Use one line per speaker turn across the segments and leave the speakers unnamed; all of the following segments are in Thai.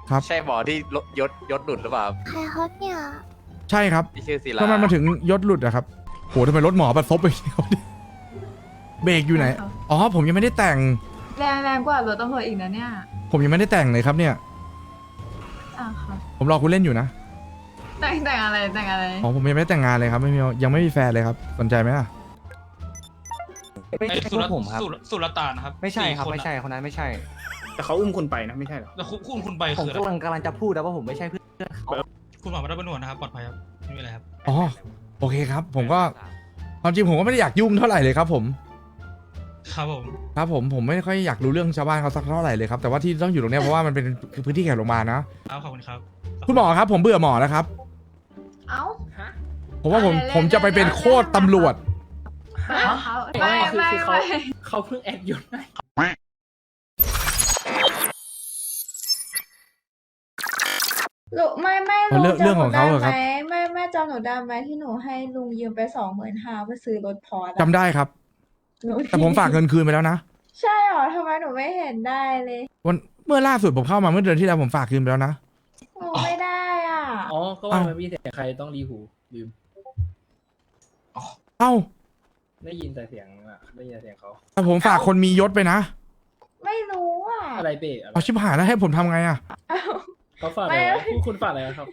ครับ
ใช่หมอที่ยศหลุดหรือเปล่า
ใครครับเนี่ย
ใช่ครับ
ที่ชื่อศิลา
ทำไมมาถึงยศหลุดอะครับโหทำไมรถหมอบัดซบไปเบรกอยู่ไหนอ๋อผมยังไม่ได้แต่ง
แรงกว่ารถตำรวจอีกนะเนี่ย
ผมยังไม่ได้แต่งเลยครับเนี่ย
อ่ะค่ะ
ผมรอคุณเล่นอยู่นะ
แต่งอะไรแต่งอะไร
อ๋อผมยังไม่ได้แต่งงานเลยครับไม่มียังไม่มีแฟนเลยครับสนใจไหมล่ะ
ไม่ใช่พวกผมครับ
สุรตานนะครับ
ไม่ใช่ครับ
4
ไม่ใช่คนนั้นไม่ใช่
แต่เขาอุ้มคุณไปนะไม่ใช่เหรอ
แล้วคุณไป
ผม
คืออะไร
กำลังจะพูดแล้วว่าผมไม่ใช่เพื่อนเขา
คุณหมอมาได้เป็นหนวดนะครับปลอดภัยครับไม่มีอะไรครับ
อ๋อโอเคครับ ผมก็ความจริงผมก็ไม่ได้อยากยุ่งเท่าไหร่เลยครับผม
ครับผม
ครับผมไม่ค่อยอยากรู้เรื่องชาวบ้านเขาสักเท่าไหร่เลยครับแต่ว่าที่ต้องอยู่ตรงเนี้ยเพราะว่ามันเป็นพื้นที่แขกโรงพยาบาลนะครับ
ขอบคุณครับ
คุณหมอครับผมเบื่อหมอแล้วครับ
เอ้า
ผมว่าผมจะไปเป็นโคตรตำรวจ
ไม่
คือเขาเพิ่งแอดยศให้
ลุงไม่
เอาเรื่องของเขาเหรอครับ
แม่จำหนูได้ไหมที่หนูให้ลุงยืมไป25,000เพื่อซื้อรถพอร์ต
จำได้ครับ แต่ผมฝากเงินคืนไปแล้วนะ
ใช่เหรอทำไมหนูไม่เห็นได้เลย
เมื่อล่าสุดผมเข้ามาเมื่อเดือนที่แล้วผมฝากคืนไปแล้วนะ
หนูไม่ได้อ่ะ
อ๋อ ก็ว่ามันมีเสียงใครต้องรีหูลืม
เอ้า
ได้ยินแต่เสียงอ่ะได้ยินแต่เสียงเขา
แต่ผมฝากคนมียศไปนะ
ไม่รู้อ่ะ
อะไรเป้อะไร
เอาชิบหายแล้วให้ผมทำไงอะ
เอ้า
เขาฝากอะไร
ไม่
วะคุณฝากอะไรครับ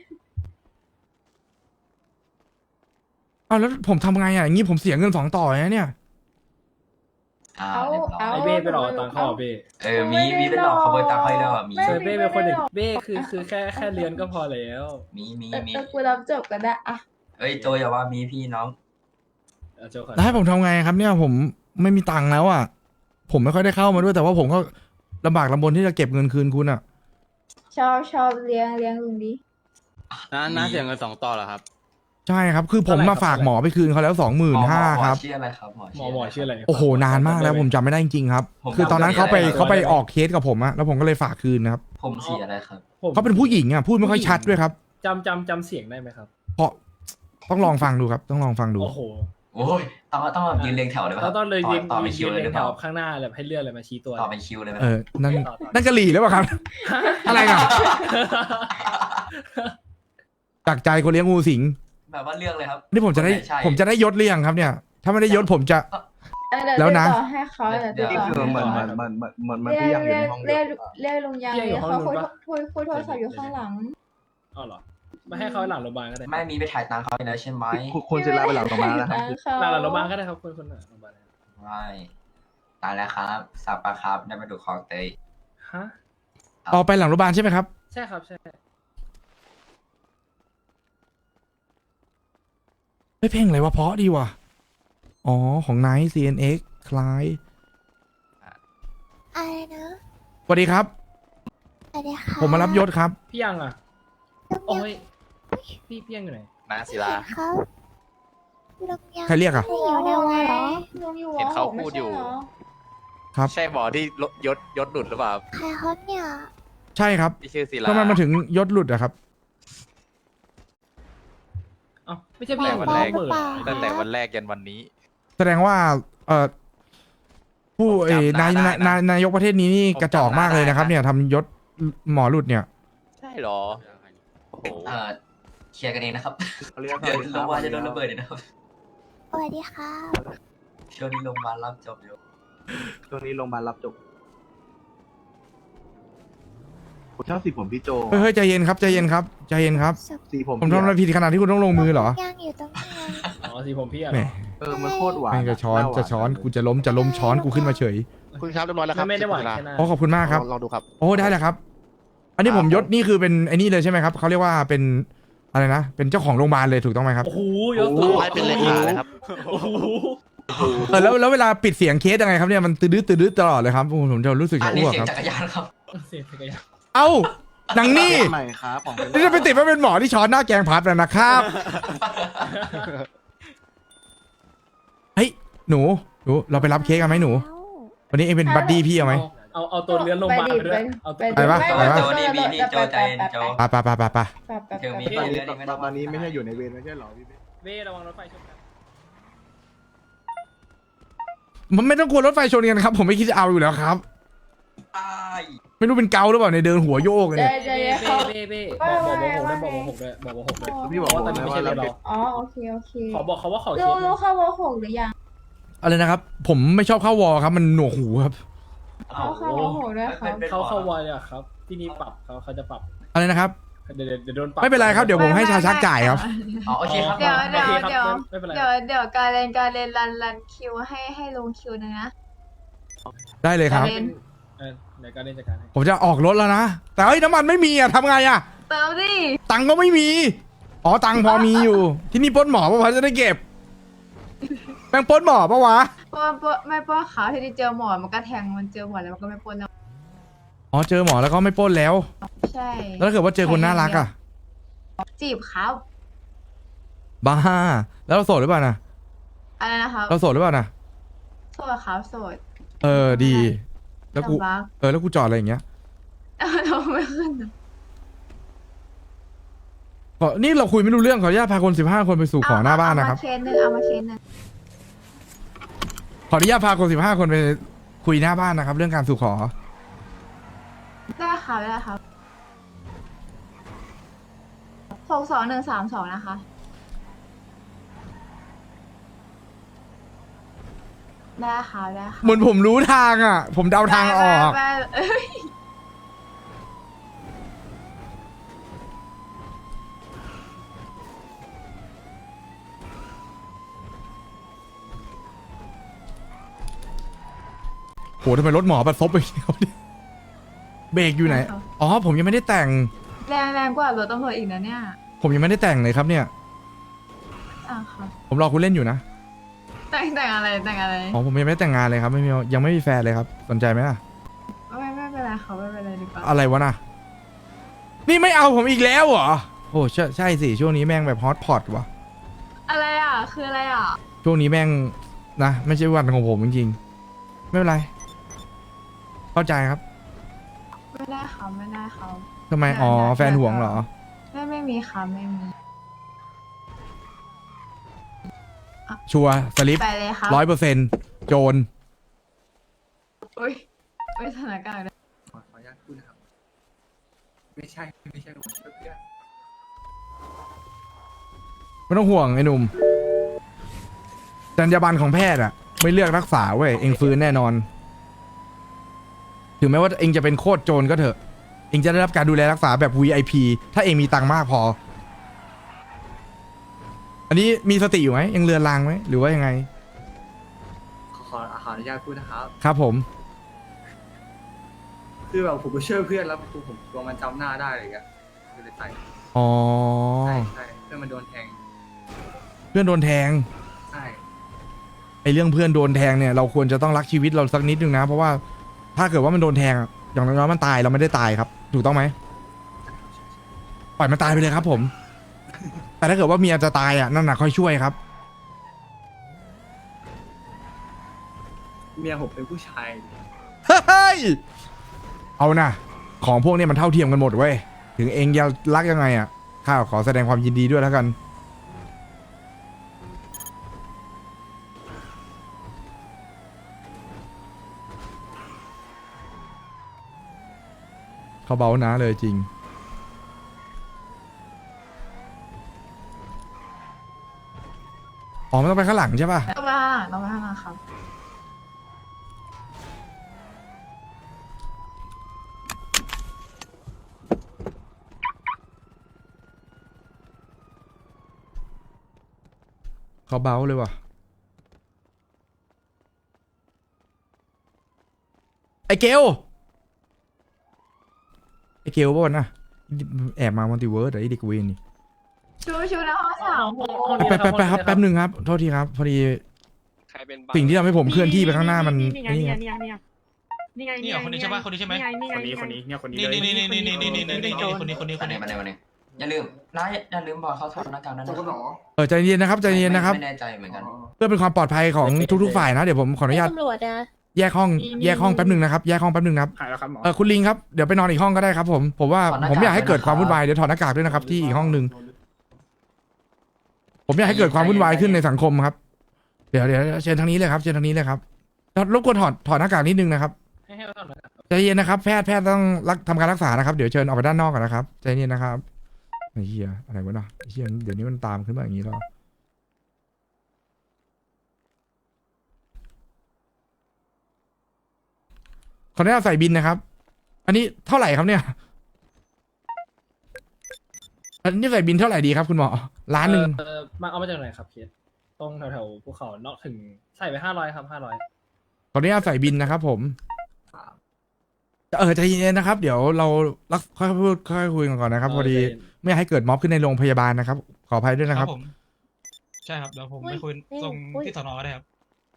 เอาแล้วผมทำไงอะอย่างงี้ผมเสียเงิน2 ต่อนะเนี่ย
เอาเอา
ไอเบ้ไปหลอกตังค์เขาอ่ะเบ้
มีไปหลอกขโมยตังค์เขาด้วยเหรอมี
เออเบ้เป็นคนหนึ่งเบ้คือแค่เรียนก็พอแล้ว
มี
แต่กูรับจบก็ได้อะ
เอ้ยโจอย่าว่ามีพี่น้อง
เอาโจ้ก่อน
แล้วให้ผมทำไงครับเนี่ยผมไม่มีตังค์แล้วอะผมไม่ค่อยได้เข้ามาด้วยแต่ว่าผมก็ลำบากลำบนที่จะเก็บเงินคืนคุณอะ
ชอบเลี้ยงลุงดี
น้าเสียเงิน2 ต่อเหรอครับ
ใช่ครับคือผมมาฝากหมอไปคืนเขาแล้ว25,000ครับ
ชื่ออะไรครับหมอ
หมอชื่ออะไร
โอ้โหนานมากแล้วผมจำไม่ได้จริงๆครับ คือตอนนั้นเขาไปออกเคสกับผมอะแล้วผมก็เลยฝากคืนนะครับ
ผมสีอะไรครับ
เขาเป็นผู้หญิงอะพูดไม่ค่อยชัดด้วยครับ
จำเสียงได้ไหมครับ
เพราะต้องลองฟังดูครับต้องลองฟังดู
โอ้โห
โอ้ยต้องแบบยืนเรียงแถวเลยไหมค
เรา
รับ
ต้องเลยยืน
ต่อเป็นคิวเลยหรือเป
แถ
ล่าว
ข้างหน้าแบบให้เลือกเลยมาชี้ตัว
ต่อเป็นคิวเลยไหม
นั่นนั่นกะหรี่หรือเปล่าครับ อะไรกันจากใจคนเลี้ยงงูสิง
แบบว่าเรื่องเลยครับ
นี่ผมจะได้
ใช่
ผมจะได้ยศเรียงครับเนี่ย ถ้าไม่ได้ยศผมจะ แล้วนะ
ต่อให้เขาเดี๋ยวติดต่อให้
มันพี่ยังอยู่ในห้อง
เรียกลุงยังเลยเขาคุยโทรศัพท์อยู่ข้างหลัง
อ๋อเหรอมาให้เขาหลังโรงพยาบาลก็ได้
ไม่มีไปถ่ายตังค์เขาเลยนะใช่ไหม
คุณศิลาไปหลังตรงมาแล้วครับ
หลังโรงพยาบาลก็ได้ครับคนหลังโรงพยาบาล
ไม่ตายแล้วครับสับปะครับได้มาดูคลองเตย
ฮะ
ออกไปหลังโรงพยาบาลใช่ไหมครับ
ใช่ครับใช่
ไม่เพลงอะไรวะเพราะดีว่ะอ๋อของไนท์ CNX คล้าย
อะไรนะ
สวัสดีครับ
สวัสดีค่ะ
ผมมารับยศครับ
พี่ยังอ่ะโอ้ยพี่ยังอยู่ไหน
น้าศิลา
ครับลุงยัง
ใครเรียกอะ
ไม่อยู่ในวังเหรอ
ลุงอยู่
เห็นเขาพูดอยู่
ครับ
ใช่หมอที่ยศหลุดหรือเปล่า
ใครครับเนี่ย
ใช่ครับ
ที่ชื่อศิลา
ทำไมมาถึงยศหลุดอะครับ
อ๋อไม่ใช่พี่ยัง
วันแรก
เหมือน
ตั้งแต่วันแรกยันวันนี้
แสดงว่าผู้
ผมจำ
นาย
ได้นะ
นายกประเทศนี้นี่
ผม
กระจอกมากเลยนะครับ
จำได้
เนี่ยทำยศหมอหลุดเนี่ย
ใช่หรอโอ้โหเคลียร์กันเองนะครับ
เขาเรียก
เดี๋ยวโรงพยาบาลจะโดนระเบิดเลยนะครับ
สวัสดีค่ะ
ช่วงนี้โรงพยาบาลรับจบอยู่
ช่วงนี้โรงพยาบาลรับจบผมชอบสีผมพี่โจ
เฮ้ยใจเย็นครับใจเย็นครับใจเย็นครับ
สีผม
ผมทำอะไรผิดขนาดที่คุณต้องลงมือเหรอ
ยังอยู่ตรงนี้
อ๋อสีผมพี่อ่ะ
แหม
มันโคตรหวาน
ไม่จะช้อนจะช้อนกูจะล้มช้อนกูขึ้นมาเฉย
คุณครับเรียบร้อยแล้วครับ
ไม่ได้หวานแค่หน้า
โอ้ขอบคุณมากครับ
ลองดูครับ
โอ้ได้แล้วครับ อันนี้ผมยศนี่คือเป็นไอ้นี่เลยใช่ไหมครับเขาเรียกว่าเป็นอะไรนะเป็นเจ้าของโรงพยาบาลเลยถูกต้องไหมครับ
โอ้โหยศ
ให้เป็นเลขาเลยครับ
โอ้โห
แล้วเวลาปิดเสียงเคสยังไงครับเนี่ยมันตื้อตลอดเลยครับผมจะรู้สึก
อั
จะ
นนี้
อ้วก
เสีย
ค
ง
รับ
จักรยานครับ
เสียจักรยาน
เอ้าหนังนี่
ใหม่ครับของ
นี่จะไปติดว่าเป็นหมอที่ช้อนหน้าแกงพัดแล้วนะครับเฮ้ยหนูเราไปรับเค้กกันไหมหนู วันนี้เองเป็นบัดดี้พี่เอาไหม
เอาตัวเลื้อนลงมาด้วยเอาตัว
ไปปะไปปะ
โจนี่มีพี่โจใจเย็นโจ
ไป
เดี๋ยวมีเรื่องนี้ไม่ต้อง
ตอนนี้ไม่ใช่อยู่ในเวรไม่ใช่หรอพี่
เว้ระวังรถไฟชนกัน
มันไม่ต้องกลัวรถไฟชนกันครับ ผมไม่คิดจะเอาอยู่แล้วครับ
ตาย
ไม่ไม่รู้เป็นเกาหรือเปล่าในยเดินหัวโยกเลย
ใจ
เนี่ย
ใจเย็นเขา
เบ้เบ้
ว่า
บอก
ไง
บอก
ว่า
บอก
ไง
บอกด้วยบอกบอกด้วย
พี่บอก
เพราะ
ผ
ว่าม ตอนนี้
นะ
ไม่
ว่า
ใช่
เรา
เรา
ผิด
อ๋อโอเคโอเค
ขอบอกเขาว่าขอเค
รู้
ส
รู้เข้าวอหกหรือยัง
อะไรนะครับ ผมไม่ชอบเข้าวอลครับ มันหนวกหูครับ
เข้าวอหกด้วยครับ
เขาวอยเลยอะครับ ที่นี่ปรับเขาจะปรับ
อะไรนะครับ
เดี๋ยวโดนปรับ
ไม่เป็นไรครับเดี๋ยวผมให้ชาชักจ่ายครับ
อ๋อโอเคครับ
เดี๋ยว
โอ
เดี๋ยว
เคครับ
เดี๋ยว
ไม่เป็นไร
เดี๋ยวการเล่นรันคิวให้ลงคิวหนึงนะ
ได้เลยครับ
เล่น
เดี๋ยวการเล่นจัดการให้
ผมจะออกรถแล้วนะ แต่เฮ้ยน้ำมันไม่มีอ่ะทำไงอ่ะ
เติมดิ
ตังค์ก็ไม่มี อ๋อตังค์พอมีอยู่ ที่นี่ปล้นหมอปะวะจะได้เก็บแม่งปล้นหมอปะวะ
เพราะว่าไม่ป้อนขาวที่ได้เจอหมอมันก็แทงมันเจอหมอแล้วมันก็ไม่ป้นแล้ว
อ๋อเจอหมอแล้วก็ไม่ปล้นแล้ว
ใช่
แล้วถ้าเกิดว่าเจอคนน่ารักอ่ะ
จีบครับ
บ้า แล้วเราโสดหรือเปล่านะ
อะไรนะครับ
เราโสดหรือเปล่านะ
โสดครับโสด
เออดี แล้วกู
ลำบาก
แล้วกูจอดอะไรอย่างเงี้ย
เราไม่ขึ้นนะ
นี่เราคุยไม่รู้เรื่องขออนุญาตพาคน15คนไปสู่ขอหน้าบ้านนะครับ
เอามาเคสหนึงเอามาเคสหนึง
ขออนุญาตพาคน15คนไปคุยหน้าบ้านนะครับ เรื่องการสู่ขอ
ได้ครับได้ครับ62132นะคะได้ค่ะได้ค่ะ
เหมือนผมรู้ทางอ่ะ ผมเดาทางออก
ได้เอ้ย
โหทำไมรถหมอประซบไปแล้วเนี่ยเบรกอยู่ไหน อ๋อ ผมยังไม่ได้แต่ง
แรงกว่ารถตำรวจอีกนะเนี่ย
ผมยังไม่ได้แต่งเลยครับเนี่ย
อ่ะครับ
ผมรอคุณเล่นอยู่นะ
แต่งอะไรแต่งอะไร
อ๋อ ผมยังไม่ได้แต่งงานเลยครับ ไม่มียังไม่มีแฟนเลยครับ สนใจไหมล่ะ
ไม่เป็นไรค่ะไม่เป็นไรดีกว่า
อะไรวะน่ะ นี่ไม่เอาผมอีกแล้วเหรอ โอ้ใช่สิ ช่วงนี้แม่งแบบฮอตพอตว่ะ
อะไรอ่ะคืออะไรอ่ะ
ช่วงนี้แม่งนะ ไม่ใช่วันของผมจริงๆ ไม่เป็นไร เข้าใจครับ
ไม่ได้ค่ะไม่ได้ค่ะ
ทำไม อ๋อ แฟนห่วงเหรอ
ไม่มีค่ะไม่มี
ชัวร์สลิป
ไปเลยครับ
100%โจร
อุ้ยสถานการณ์
ขออนุญาตพูดนะครับ ไม่ใช่ผมช่วยเพื่อน
ไม่ต้องห่วงไอ้หนุ่มจรรยาบรรณของแพทย์อะไม่เลือกรักษาเว้ย เองฟื้นแน่นอน ถึงแม้ว่าเองจะเป็นโคตรโจรก็เถอะ เองจะได้รับการดูแลรักษาแบบ VIP ถ้าเองมีตังค์มากพอ อันนี้มีสติอยู่ไหมยังเรือนรางไหมหรือว่ายังไง
ขออนุญาตพูดนะครับ
ครับผม
คือแบบผมไปช่วยเพื่อนแล้วผมกลัวมันจำหน้าได้อะไรเงี้ยก็เลยใส่
อ๋อ
ใช่เพื่อนมันโดนแทง
เพื่อนโดนแทง
ใช่
ไอเรื่องเพื่อนโดนแทงเนี่ยเราควรจะต้องรักชีวิตเราสักนิดนึงนะ เพราะว่าถ้าเกิดว่ามันโดนแทงอะอย่างน้อยๆมันตายเราไม่ได้ตายครับ ถูกต้องไหมปล่อยมันตายไปเลยครับผม แต่ถ้าเกิดว่าเมียจะตายอ่ะนั่นน่ะค่อยช่วยครับ
เมียผมเป็นผู้ชาย
เฮ้ยเอานะของพวกนี้มันเท่าเทียมกันหมดเว้ยถึงเองจะรักยังไงอ่ะข้าขอแสดงความยินดีด้วยแล้วกันเขาเบานะเลยจริงอ๋อมันต้องไปข้างหลังใช่ป่ะ
ต้องไปข้างหลังต้องไปข้างหลังครับ
เขาเบาเลยว่ะไอเกลป่ะวะนะแอบมามัลติเวิร์สไอเด็กเวรนี่
ชูนะห้องสาม
ไปครับแป๊บหนึ่งครับโทษทีครับพอดี
ใครเป็น
สิ่งที่ทำให้ผมเคลื่อนที่ไปข้างหน้ามัน
นี่ไง
นี่
นี่ไง
ครับ
นี่ไง
นี่เหรอคนนี้ใช่ปะคนนี้ใช่ไหม
นี่ไงคนนี้เนี่ยคนนี้
นี่
เลย
นี่คนนี้
วันนี้อย่าลืมบอกเขาถอดหน้ากากนั้นนะครับ
ใจเย็นนะครับใจเย็นนะครับ
ไม่แน่ใจเหมือนกัน
เพื่อเป็นความปลอดภัยของทุกๆฝ่ายนะเดี๋ยวผมขออนุญาต
ตำรวจอะ
แยกห้องแป๊บหนึ่งนะครับแยกห้องแป๊บหนึ่งนะครับ
หายแล้วครับหมอ
คุณลิงครับเดี๋ยวไปนอนอีกห้องก็ได้ครับผมว่า
ถอดหน้ากาก
ผมอยากให้เกิด
ด้วยนะครับ
ความวุ่นวายเดี๋ยวถอดหน้ากากด้วยนะครับที่อีกห้องหนึ่งผมอยากให้เกิดความวุ่นวายขึ้นในสังคมครับเดี๋ยวเชิญทางนี้เลยครับเชิญทางนี้เลยครับรบกวนถอดหน้ากากนิดนึงนะครับ
ให้เราทำหน่อย
ใเย็นนะครับแพทย์ต้องทำการรักษานะครับเดี๋ยวเชิญออกไปด้านนอกก่อนนะครับใจเย็นนะครับไอ้เหี้ยอะไรวะเนาะไอ้เหี้ยเดี๋ยวนี้มันตามขึ้นมาอย่างนี้แล้วขออนุญาตใส่บินนะครับ อันนี้เท่าไหร่ครับเนี่ยอันนี้ใส่บินเท่าไหร่ดีครับคุณหมอล้านหนึ่ง
มาเอามาจากไหนครับเคสตรงแถวๆภูเขาเนาะถึงใส่ไป500ครับ500
ขออนุญาตใส่บินนะครับผมใจเย็นๆนะครับ เดี๋ยวเราค่อยๆพูดค่อยๆคุยกันก่อนนะครับพอดีไม่อยากให้เกิดม็อบขึ้นในโรงพยาบาลนะครับ ขออภัยด้วยนะครับ
ผมใช่ครับเดี๋ยวผมไปคุยตรงที่สนก็ได้ครับ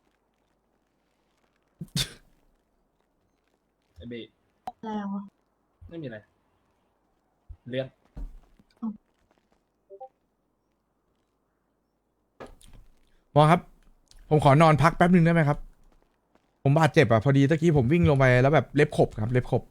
ไอเบะ
แล้ว
ไม่มีอะไรเลื่อน
หมอครับ ผมขอนอนพักแป๊บนึงได้ไหมครับ ผมบาดเจ็บอ่ะพอดีตะกี้ผมวิ่งลงไปแล้วแบบเล็บขบครับ เล็บขบ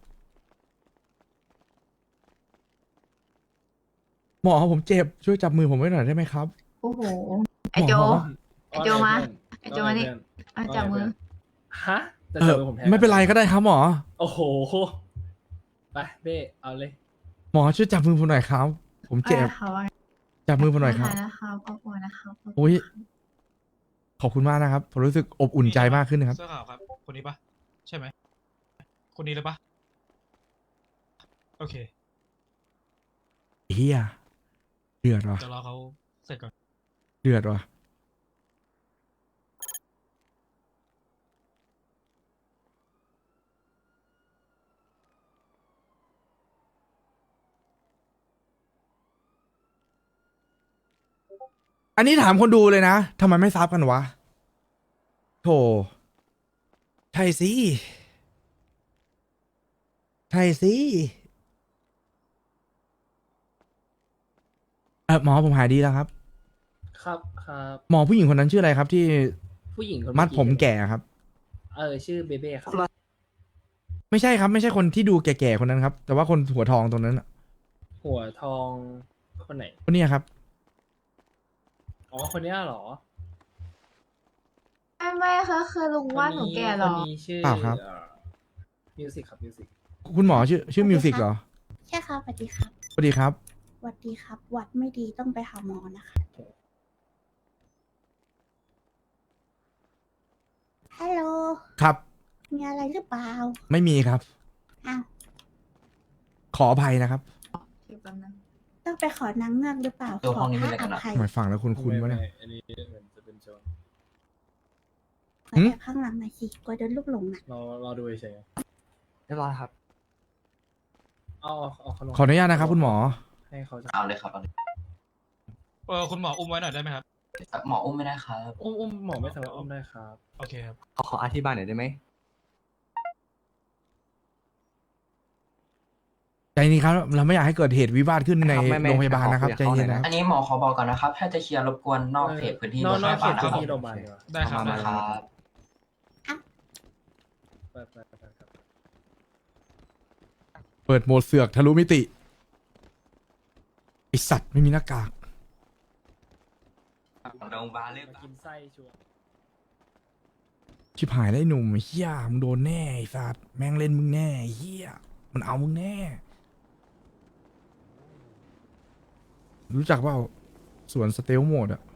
หมอครับผมเจ็บช่วยจับมือผมไว้หน่อยได้ไหมครับ
โอ้โห
ไอ้โจ
ไอ้โจมาไอ้โจมานี่ จับมือ
ฮะจะจับมือผมแทน
ไม่เป็นไรก็ได้ครับหมอ
โอ้โหไปเบ้เอาเลย
หมอช่วยจับมือผมหน่อยครับ ผมเจ็บ
เขาว่า
จับมือผมหน่อยครับ
นะครับขอบคุณนะครับ
โอ้ยขอบคุณมากนะครับผมรู้สึกอบอุ่นใจมากขึ้นนะครับ
เสื้อขาวครับ คนนี้ปะใช่ไหมคนนี้เลยปะโอเค
เฮียเดือดว่ะ
เดี๋ยวรอเขาเสร็จก่อน
เดือดว่ะอันนี้ถามคนดูเลยนะทำไมไม่ซับกันวะโธ่ใช่สิใช่สิหมอผมหายดีแล้วครับ
ครับครับ
หมอผู้หญิงคนนั้นชื่ออะไรครับที่
ผู้หญิงคน
มัด
เอ
ผมแก่ครับ
ชื่อเบเบ้ครับ
ไม่ใช่ครับ ไม่ใช่คนที่ดูแก่ๆคนนั้นครับ แต่ว่าคนหัวทองตรงนั้นน่ะ
หัวทองคนไหน
คนเนี้ยครับ
อ๋อคนเนี้ยเหรอ
ไม่ค่ะคือลุงว่าหนูแก่เหร
ค
อ
นนี้ชื่อ
เปล่าครับ
มิวสิกครับมิวสิก
คุณหมอชื่อมิวสิกเหรอ
ใช่ครับสวัสดีครับ
สวัสดีครับ
สวัสดีครับ วัดไม่ดีต้องไปหาหมอนะคะ ฮัลโหล
ครับ
มีอะไรหรือเปล่า
ไม่มีครับ
อ้าว
ขออภัยนะครับ
ต้องไปขอนางเงือกหรือเปล่า
ตัว
ข
ห้
อ
องนี้
พ
มี
ระ
อะไร
อ
กันนะ
ภัย
ทำไมฟังแล้วคุณวะเนี่ย
อันนี้เหมือนจะเป็นโจร
ขอแอบข้างหลังหน่อยสิกลัวโดนลูกหลงน่ะ
รอดูเฉย
เรียบร้อยครับ
ๆเอาขนม
ขออนุญาตนะครับ คุณหมอ
ให้เขาจะ
เอาเลยครับเอาเลย
คุณหมออุ้มไว้หน่อยได้ไหมครับ
หมออุ้มไม่ได้ครับ
อุ้มหมอไม่สามารถอุ้มได้ครับ
โอเคครับ
ขออธิบายหน่อยได้ไหม
ใจนี้ครับ เราไม่อยากให้เกิดเหตุวิวาทขึ้นในโรงพยาบาลนะครับ ใจเย็นนะครับ
อันนี้หมอขอบอกก่อนนะครับ ถ้าจะเคลียร์รบกวนนอกเขตพื้นที่
น
โร
อก
งพ
เข
ยา
ต
บาลนะ
พื้น
ครับ
ที่โรงพยาบาลดีกว่า
ได้ครับ
มา
ได้
มา
ครับ
ไปครับ
เปิดโหมดเสือกทะลุมิติไอสัตว์ไม่มีหน้ากาก
โรงพยาบาลเลย
มากินไส้ชัวร์
ชิบหายแล้วไอ้หนุ่มเฮียมึงโดนแน่ไอสัตว์แม่งเล่นมึงแน่ไอ้เฮียมันเอามึงแน่ รู้จักเปล่าสวนสเตลโหมดอะ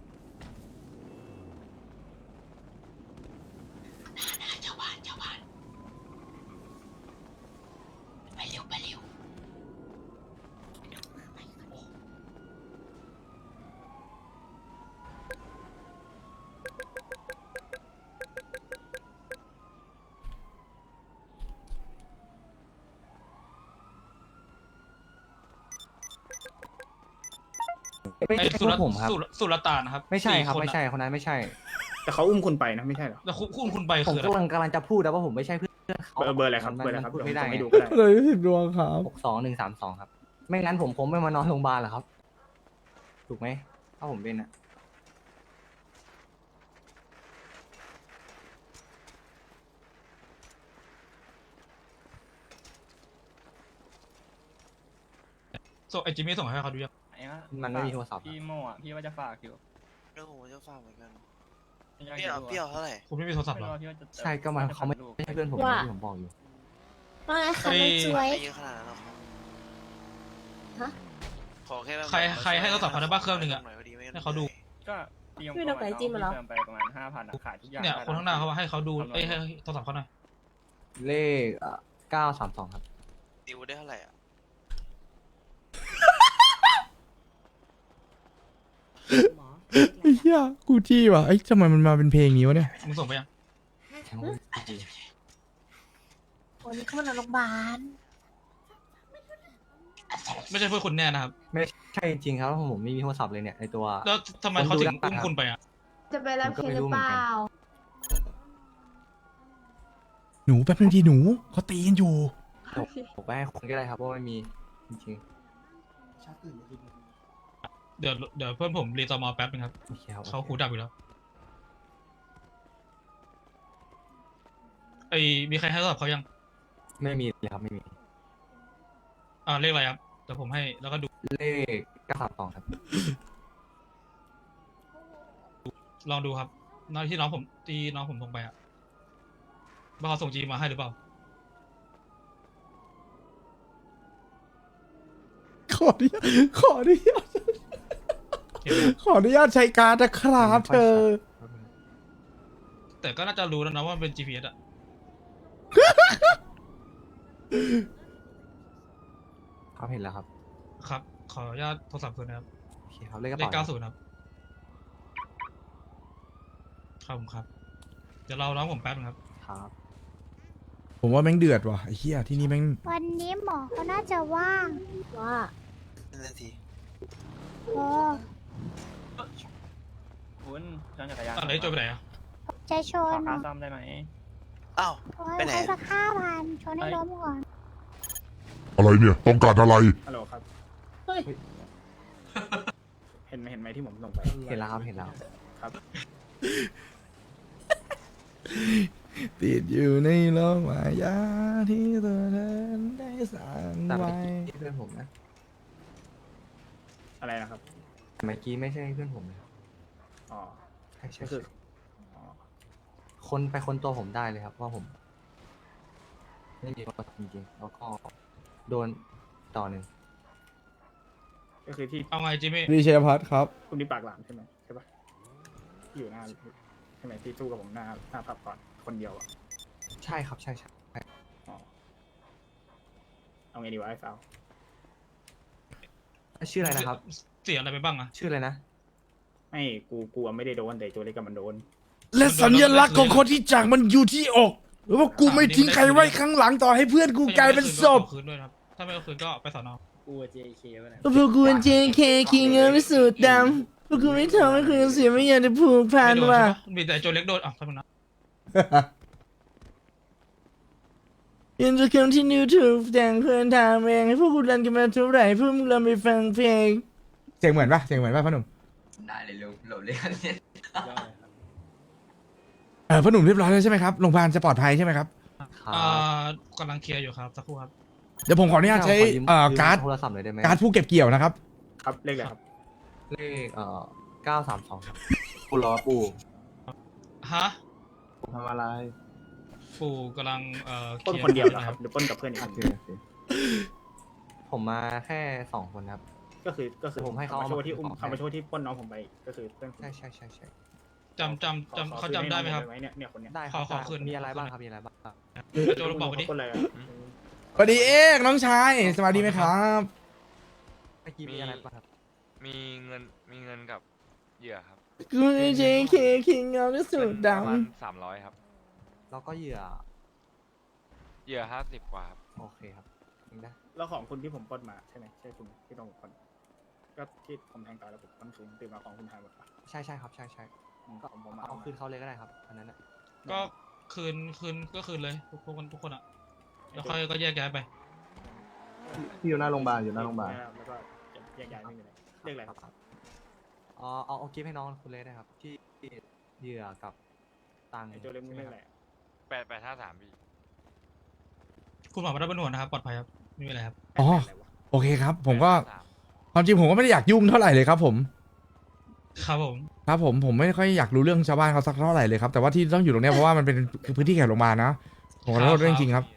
ไปเร็วไปเร็ว
ไม่
ไอ้
ใช่
สุ
พว
ร
กผมครับ
สุรตานนะครับ
ไม่ใช่ครับ
4
ไม่ใช่คนนั้นไม่ใช่
แต่เขาอุ้มคุณไปนะไม่ใช่เหรอ
แล้วคุณไป
ผม
คืออะไร
กำลังจะพูดแต่ว่าผมไม่ใช่เพื่อนเขา
เบอร์อะไรครับ
มัน
เบอร์อะไรครับ
พูดไม่ได้
เยวผส่งให้
ไง
ดูก็ได้
เลย10 ดวงครับ
62132ครับ ไม่งั้นผมคงไม่มานอนโรงพยาบาลหรอกครับ ถูกไหมถ้าผมเป็นอะ
ไอจิมมี่ส่งให้เขาดูยัง
มันไม่มีโทรศัพท์
พี่โมอ่ะพี่ว่าจะฝากอยู่
เรื่องผมจะฝากเหมือนกัน
อยาก
เปรี้ยวเท่าไหร่
คุณไม่มีโทรศัพท์เหรอ
ใช่ก็มันเขาไม่ใช่เพื่อนผมอย่างที่ผมบอกอยู่
ว่าไงคะ
เอ้ย
น้องจวย
ไม่เยอะขนาดนั้นหรอกครับ
ฮะ
ขอแค่แบบ
ใครให้โทรศัพท์เขาได้บ้างเครื่องหนึ่งอะ
หน่อยพอดีไม่งั้น
ให้เขาดู
ก็เตรียม
ไม่ต้องไก่จิ้มมาเหรอ
เติมไปประมาณ5,000ขายทุกอย่าง
เนี่ย
ได้
คนข้างหน้าเขาว่าให้เขาดูเอ้ยให้โทรศัพท์เขาหน่อย
เลข932ครับ
ดิวได้เท่าไหร่อ่ะ
ไอ้เหี้ยกูจี้ว่ะไอ้ยทำไมมันมาเป็นเพลงนี้วะเนี่ย
มึงส่งไปยัง
วันนี้เขามานอนโรงพยาบาล
ไม่ใช่เพื่อนคุณแน่นะครับ
ไม่ใช่จริงๆครับผมไม่มีโทรศัพท์เลยเนี่ยในตัว
แล้วทำไมเขาถึงอุ้มคุณไปอ่ะ
จะไปรับเคสหรือเปล่า
หนูแป๊บนึงทีหนูเขาตีกันอยู่
ผมไปให้คนก็ได้ครับเพราะไม่มีจริง
เดี๋ยวเพื่อนผมรีตอมอแป๊บนึงครับ
ๆโอเคครับ
เขาหูดับอยู่แล้วไอ้มีใครให้โทรศัพท์เขายัง
ไม่มีเลยครับไม่มี
เลขอะไรครับเดี๋ยวผมให้แล้วก็ดู
เลข932ครับ
ลองดูครับน้องที่น้องผมส่งไปอ่ะว่าเขาส่งจีมาให้หรือเปล่า
ขออนุญาตขออนุญาต
เห็นไหม
ขออนุญาตใช้การ์ดนะครับเธอ
แต่ก็น่าจะรู้แล้วนะว่ามันเป็น GPS อ่ะ
ครับเห็นแล้วครับ
ครับ ขออนุญาตโทรศัพท์คืนนะครับ
โอเคครับเลขกระ
เลข
เป๋า
90ครับครับผมครับ เดี๋ยวเราน้องผมแป๊บนึงครับ
ครับ
ผมว่าแม่งเดือดว่ะไอ้เหี้ยที่นี่แม่ง
วันนี้หมอเขาน่าจะว่างว่า
นั่นนาที
โอ้
คุณย้อนจักรยาน
อะไรโจไปไหนอ่ะ
ใจช
ขอน ค่าซ่อมได้ไหม
อ้าว
โอ้ย
ไปไหน
ใช้สัก5,000ชนให้ล้มก่อน
อะไรเนี่ย ต้องการอะไร
ฮัลโหลครับ
เฮ้ย
เห็นไหมที่ผมส่งไป
เห็นแล้วครับเห็นแล้ว
ครับ
ติดอยู่ในโลกมายาที่ตัวเธอได้สร้าง
แต่
ไว้
เมื่อกี้เพื่อนผมนะ
อะไรนะครับ
แต่เมื่อกี้ไม่ใช่เพื่อนผมนะครับ
อ๋อ
ใช่ใช่
ก็คือ
ใช่
อ๋อ
คนไปคนตัวผมได้เลยครับว่าผมไม่มีโทรศัพท์จริงๆแล้วก็โดนต่อหนึ่ง
ก็คือที่
เอาไงจิมมี่
ดีเชยพัฒน์ครับ
คุณที่ปากหลามใช่ไหมใช่ปะที่อยู่หน้าใช่ไหมที่สู้กับผมหน้าผับก่อนคนเดียวอ่ะ
ใช่ครับใช่ใช่
อ๋อเอาไงดีวะไอ้สาว
ชื่ออะไรนะครับ
เสียอะไรไปบ้างอ่ะ
ชื่ออะไรนะ
ไม่กูกลัวไม่ได้โดนแต่ตัวเล็กกับมันโดน
และสัญลักษณ์ของคนที่จากมันอยู่ที่อกหรือว่ากูไม่ทิ้งใครไว้ข้างหลังต่อให้เพื่อนกูกลายเป็นศพ
ก็ยังไม่ได้คืนด้วยนะครับ ถ้าไม่เอาคืนก็ไปสอนอ
กู JK วะเนี่ย
พวกกูเป็น JK คิงเงินไม่สูดดำพวกกูไม่ทำให้คุณเสียไม่อยากจะผูกพัน
ไม่โดน
ว่ะ
ใช่ปะมีแต่โจเล็กโดนอ่ะทำไมนะ
ยังจะ continue to แต่งเพื่อนทำเองให้พวกกูรันกันมาเท่าไหร่เพื่อมึงเราไปฟังเพลงเสียงเหมือนปะเสียงเหมือนปะพ่อหนุ่ม
ได้เลยลุงหลบเลี่ยงเนี่ย
ยอดเลยครับ
พ่อหนุ่มเรียบร้อยแล้วใช่ไหมครับโรงพยาบาลจะปลอดภัยใช่ไหมครับ
ครับ
กำลังเคลียร์อยู่ครับสักครู่ครับ
เดี๋ยวผมขออนุญาตใช้
ขยืม
การ์ด
โทรศัพท์หน่อยได้ไหม
การ์ดผู้เก็บเกี่ยวนะครับ
ครับเลขอะไรครับ
เลข932ครับปูรอปู
ฮะ
ทำอะไร
ฟูกำลัง
ปล้น
ลีร์
คนเดียวเหรอ
นะ
ค
ค
รั
รั
บบ หรือปล้นกับเพื่อนอีกคน
โอเคโอเคผมมาแค่2คนครับ
ก็คือ
ผมให้เขา
มาโชว์ที่
เอามา
เขามาโชว์ที่ปล้นน้องผมไปก็คือเพื่อนผม
ใช่ใช่ใช่ใช่
จำเขาจำได้ไหมครับ
เนี่ยคนเนี้ย
ได้ค
ข
รั
อบ ขอคืน
มีอะไรบ้างครับมีอะไรบ้าง
โจลองบอกไปดิ
ปล้นอะไรอะ
สวัสดีเอกน้องชายสวัสดีไหมครับ
เมื่อกี้มีอะไรบ้างครับ
มีเงินกับเหยื่อครับ
กูเป็น JK คิงเงินไม่สูดด
ประมาณ300ครับ
แล้วก็เหยื่อ
เหยื่อ50กว่าครับ
โอเคครับยิงได้
แล้วของคุณที่ผมปล้นมาใช่ไหมใช่คุณที่ต้องปล้นก็ที่ผมแทงตายแล้วผมปล้นคืนตื่นมาของคุณหายหมดปะ
ใช่ใช่ครับใช่ใช่
ก็ผมมา
เอาคืนเขาเลยก็ได้ครับอันนั้นนะ
ก็คืนก็คืนเลยทุกคนอ่ะแล้วค่อยก็แยกย้ายไป
ที่อยู่หน้าโรงพยาบาลอยู่หน้าโรงพยาบาล
แล้วก็แยกย้ายไม่มีอะไรเรียกอะไรครับ
เอากิฟต์ให้น้องคุณเลยได้ครับ ที่เหยื่อกับตังค์
ไอ้ตัวเล็กมึงเรียกอะไร
8853พี่
คุณหมอไม่ได้เป็นห่วงนะครับปลอดภัยครับไม่มีอะไรครับ
ำอ๋อโอเคครับ ผมก็ความจริงผมก็ไม่ได้อยากยุ่งเท่าไหร่เลยครับผม
ครับผม
ครับผมไม่ค่อยอยากรู้เรื่องชาวบ้านเขาสักเท่าไหร่เลยครับแต่ว่าที่ต้องอยู่ตรงเนี้ยเพราะว่ามันเป็นพื้นที่แขกโรงพยาบาลนะผมขอโทษด้วยจริงๆครับ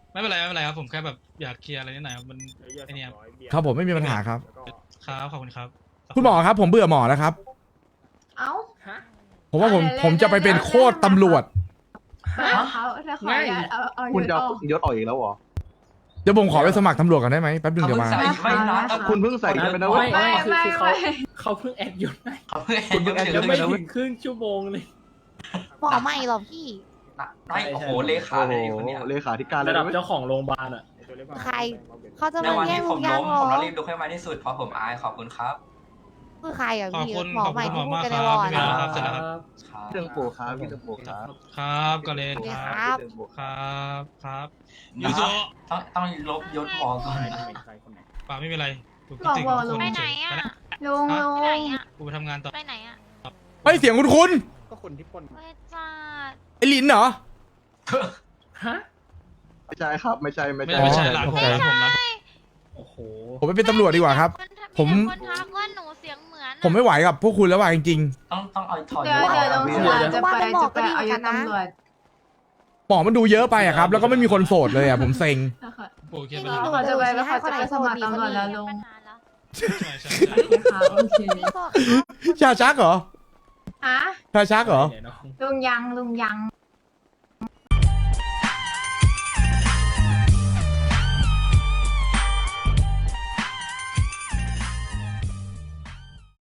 ไม่เป็นไรไม่เป็นไรครับผมแค่แบบอยากเคลียร์อะไรนิดหน่อยครับมัน
เยอะ
ไอ้เนี่ย
200เบีย
ครับผมไม่มีปัญหาครับ
แล้วก็
ครับขอบคุณครับ
คุณหมอครับ ผมเบื่อหมอแล้วครับ
เอ้า
ฮะ
ผมว่าผมจะไปเป็นโคตรตำรวจ
เขาถ้าขออนุญาตเอา
คุณจะ
ออก
ยศออกอีกแล้วเหรอ
เดี๋ยวผมขอไปสมัครตำรวจก่อนได้ไหมแป๊บนึง
เขา
เดี๋ยว
เพิ่ง
มา
ใส่ไม่นะ
คุณเพิ่งใส่กันไปนะเว้ย
ไม่คือ
ไม่
เขา
ไม่
เขาเพิ่งแอดยศให้
เขาเพิ่ง
คุณเพิ่งแอด
ยังไม่
นะเว้
ถึ
ย
งครึ่งชั่วโมงเลย
หมอใหม่เหรอพี่
น้อยโอ้โหเลขาเลยคนเนี้ย
เลขาธิการเลย
ระดับ
เว้ย
เจ้าของโรงพยาบาลอ่ะ
ใคร เขาจะ
ใน
มา
วัน
แย่
ที่
ง
ผ
ลุ
ม
งยั
ล้
ง
ม
เหร
ผม
อ
ต้องรีบลุกให้มาที่สุดเพราะผมอายขอบคุณครับ
คือใครอ่ะ
ขอบ
พี่
คุณ
หมอ
ขอบ
ใหม่
คุณหมอ
ที่พูด
มาก
กัน
ค
ใน
รั
ว
บ
อร์ด
พี่เบลครับเสร็จแล้วครับ
ครับ
พี่เรื่องโปครับพี่เรื่องโปครับ
ครับกาเลน
สวัสดี
ค
ครับ รับ
ครับ
นะ
ยูโซ
ต้องลบยศหมอก่อนนะ
ใครคนไหน
ป่าไม่เป็นไรกู
บอก
ติด
บอก
คน
ไป
เฉ
ไหน
ย
อ่ะ
ไปนะ
ลุงลุง
ไปไหนอ่ะ
กูไปทำงานต่อ
ไปไหนอ่ะ
เฮ้ยเสียงคุณ
ก็คนที่ปล้น
เฮ้ยจ้า
ไอ้ลินเหรอ
ฮะ
ไม่ใช่ครับ ไม่ใช่ ไม่
ไม่
ใช่
ไม่ใช่
อ๋อ
ร้านผม
โอเค
ร้านผมร้าน
โอ้โห
ผมไปเป็นตำรวจดีกว่าครับ ผม
คนทักว่าหนูเสียงเหมือน
ผมไม่ไหวกับพวกคุณแล้วว่ะจริง
ต้องเอาถอด
เดี๋ยวย
ศ
เดี๋ยว
อ
ลุ
อก
ง
นะ
เสือจะไปเอายศตำรวจ
ๆหมอมันดูเยอะไปอะครับ แล้วก็ไม่มีคนโสดเลยอะผมเซ็ง
นะคะ
โอเค
พี่
ไป
นี่
แล้ว
ดู
เขาจะไปแล้วเขาจะไปสมัครตำรวจแล้วลุง
ปัญหาแล้ว
ใช่ใช่ใช่
โอเคค่ะโอเค
พี่บอก
ชาชักเหรอ
ฮะ
ชาชักเหรอ
เนี่ยน้อง
ลุงยัง